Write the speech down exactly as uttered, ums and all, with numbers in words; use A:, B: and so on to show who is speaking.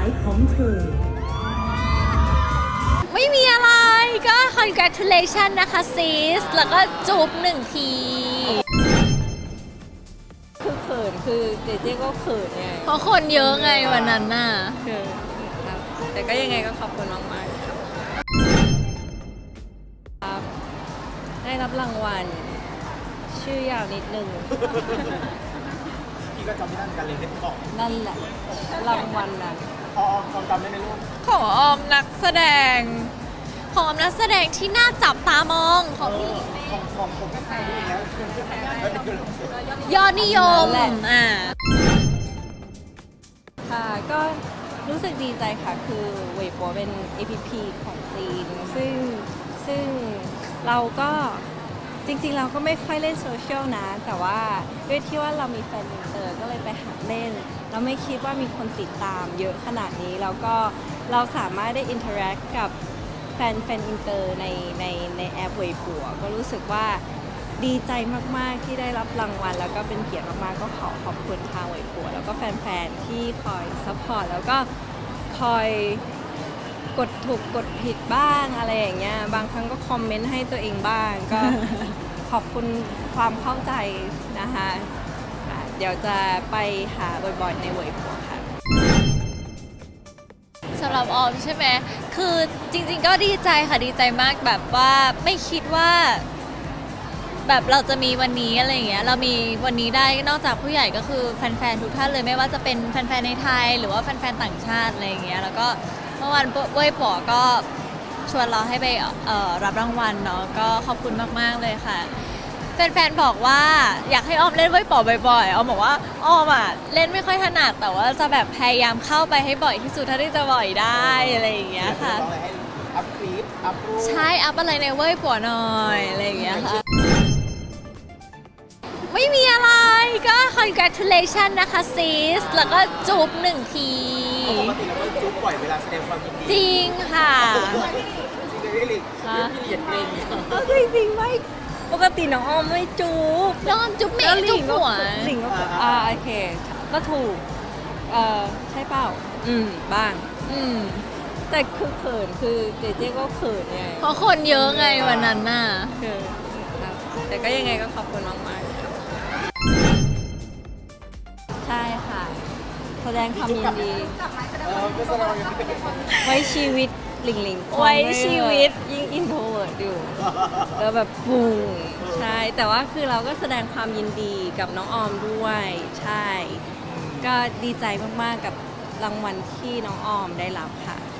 A: ของเธอ
B: ไม่มีอะไรก็ congratulation นะคะซิสแล้วก็จูบหนึ่งที
C: คือเขินคือเจเจก็เขินไง
B: เพราะคนเยอะไงวันนั้นน่ะ
C: คือครับแต่ก็ยังไงก็ขอบคุณมากๆครับครับได้รับรางวัลชื่อยาวนิดนึง
D: พี่ก็จำไม่ได้การเรียนที่บอก
C: นั่นแหละรางวัลนั้น
D: อ๋อความจำได้ไหมลูก
B: ของออมนักแสดงของออมนักแสดงที่น่าจับตามองของพี่
D: ของของผมก็ใช่แล้ว
B: ยอดนิยมอ่า
C: ค่ะก็รู้สึกดีใจค่ะคือเวยปัวเป็น เอ พี พี ของจีนซึ่งซึ่งเราก็จริงๆเราก็ไม่ค่อยเล่นโซเชียลนะแต่ว่าด้วยที่ว่าเรามีแฟนอินเตอร์ก็เลยไปหัดเล่นเราไม่คิดว่ามีคนติดตามเยอะขนาดนี้แล้วก็เราสามารถได้อินเทอร์แอคกับแฟนแฟนอินเตอร์ในในในแอปเวยปัวก็รู้สึกว่าดีใจมากๆที่ได้รับรางวัลแล้วก็เป็นเกียรติมากๆก็ขอขอบคุณทางเวยปัวแล้วก็แฟนๆที่คอยซัพพอร์ตแล้วก็คอยกดถูกกดผิดบ้างอะไรอย่างเงี้ยบางครั้งก็คอมเมนต์ให้ตัวเองบ้างก็ ขอบคุณความเข้าใจนะคะเดี๋ยวจะไปหาบ่อยๆในเวยปัวค่ะ
B: สำหรับออมใช่ไหมคือจริงๆก็ดีใจค่ะดีใจมากแบบว่าไม่คิดว่าแบบเราจะมีวันนี้อะไรอย่างเงี้ยเรามีวันนี้ได้นอกจากผู้ใหญ่ก็คือแฟนๆทุกท่านเลยไม่ว่าจะเป็นแฟนๆในไทยหรือว่าแฟนๆต่างชาติอะไรอย่างเงี้ยแล้วก็เมื่อวานเว้ยป๋อก็ชวนเราให้ไปเอ่อรับรางวัลเนาะก็ขอบคุณมากๆเลยค่ะแฟนๆบอกว่าอยากให้ออมเล่นเว้ยป๋อบ่อยๆออมบอกว่าออมอ่ะเล่นไม่ค่อยถนัดแต่ว่าจะแบบพยายามเข้าไปให้บ่อยที่สุดเท่าที่จะบ่อยได้อะไรอย่างเงี้ยค่ะ
D: อัพคลิปอัพรูป
B: ใช่อัพอะไรในเว้ยป๋อหน่อยอะไรอย่างเงี้ยค่ะไม่มีอะไรก็ congratulation นะคะซิสแล้วก็จูบหนึ่งที
D: ปกติเราก็จุ๊บบ่อยเวลาแสดงความยินดี
B: จริงค่ะ
D: จริงเลยลิพี่เหยียดเกรง
C: เอาจริงๆไม่ปกติน้องออมไม่จูบ
B: น้องออมจุ๊บเมย์จุ๊บหัว
C: หลิงก็อ่าโอเคก็ถูกเอ่อใช่เปล่าอืมบ้าง
B: อืม
C: แต่คือเขินคือเจเจก็เขินไง
B: เพราะคนเยอะไงวันนั้นน่ะ
C: คือครับแต่ก็ยังไงก็ขอบคุณมากๆครับใช่ค่ะแสดงความยินดีไว้ชีวิตหลิงหลิง
B: ไว้ชีวิต
C: ยิ่งอินโทรเวิร์ดอยู่แล้วแบบปุ้งใช่แต่ว่าคือเราก็แสดงความยินดีกับน้องออมด้วยใช่ก็ดีใจมากๆกับรางวัลที่น้องออมได้รับค่ะ